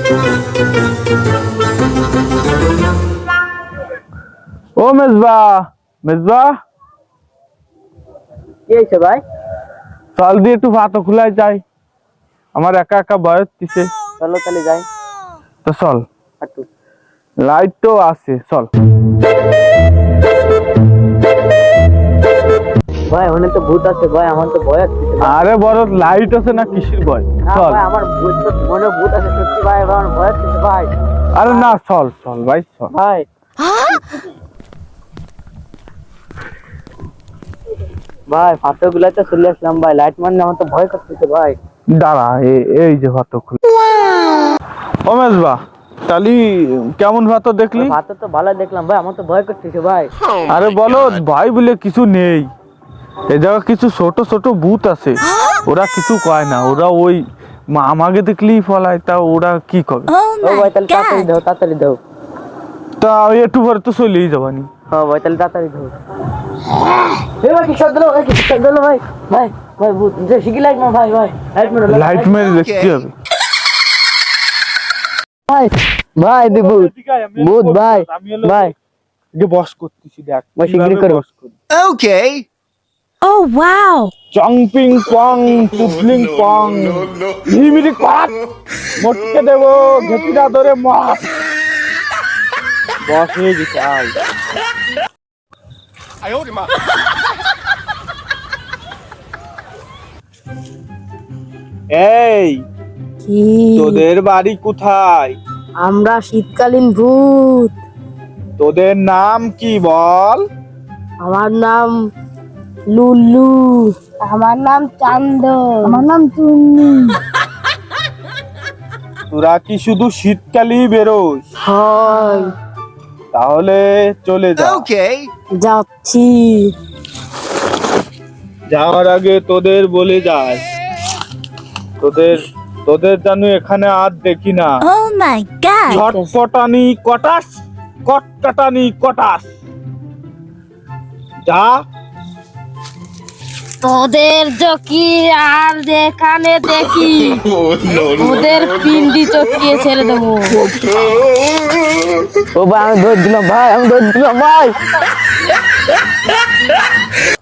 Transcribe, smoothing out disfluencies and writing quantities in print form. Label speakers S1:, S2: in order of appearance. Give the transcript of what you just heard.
S1: ও মেজবা, মেজবা
S2: কি হয়েছে ভাই?
S1: চল দিয়ে একটু ভাত খুলাই যাই, আমার একা একা বয়স দিছে।
S2: চলো তাহলে যাই।
S1: তো চল,
S2: হাঁটু।
S1: লাইট তো আছে, চল।
S2: ভাই ওখানে তো ভূত আছে ভাই, আমার তো ভয় আছে।
S1: আরে বড় লাইট আছে না, কিসের ভয়?
S2: না
S1: চল।
S2: ভাই আমার ভূত তো মনে ভূত আছে সত্যি ভাই, আমার ভয় আছে ভাই।
S1: আরে না, চল চল ভাই, চল।
S2: ভাই ভাই ফাটো গুলাতে চলে আসলাম ভাই, লাইট মারলে আমার তো ভয় করতেছে ভাই।
S1: দাঁড়া, এই যে ভাত খুলে। ও মেজবা, তালি কেমন ভাত দেখলি?
S2: ফাটো তো ভালো দেখলাম ভাই, আমার তো ভয় করতেছে ভাই।
S1: আরে বলো ভাই বলে কিছু নেই, এই জায়গা কিছু ছোট ছোট ভূত আছে, ওরা কিছু কয় না, ওরা ওই আমাকে দেখলেই ফলায়, তা ওরা কি করে?
S2: ও ভাই তাহলে তাড়াতাড়ি দাও, তাড়াতাড়ি দাও।
S1: তা একটু পরে তো চলেই যাবানি।
S2: হ্যাঁ ভাই তাহলে তাড়াতাড়ি দাও। এই ভাই কি শব্দ হলো, ভাই কি শব্দ হলো ভাই? ভাই ভাই ভূত যে শিখি লাইট মার ভাই, ভাই লাইট মারো,
S1: লাইট মেরে দেখতে হবে।
S2: ভাই ভাই দি ভূত, ভূত ভাই ভাই
S1: যে বস করতেছি, দেখ
S2: ভাই শিগগিরই করো।
S3: Okay.
S4: Oh wow!
S1: চংপিং পং টুপলিং পং হিমিরি কাট মটকে দেব ঘেটিটা ধরে মার। বস হয়ে গেছে আই। এই
S4: কি?
S1: তোদের বাড়ি কোথায়?
S4: আমরা শীতকালীন ভূত।
S1: তোদের নাম কি বল?
S4: আমার নাম লুলু। আমার নাম চান্দ। আমার নাম চুন্নি।
S1: তোরা কি শুধু শীতকালেই বেরোস?
S4: হয়,
S1: তাহলে চলে যা।
S3: Okay.
S4: যাচ্ছি।
S1: যাওয়ার আগে তোদের বলে যায়, তোদের তোদের জানো এখানে আর দেখি না।
S4: Oh my god!
S1: ছটপটানি কটাস, কটকাটানি কটাস। যা।
S4: তোদের চকি আর যেখানে দেখি ওদের পিন্ডি চকিয়ে ছেড়ে দেবো।
S2: ও ভাই আমি ধরে দিলাম ভাই, আমি ধরে দিলাম ভাই।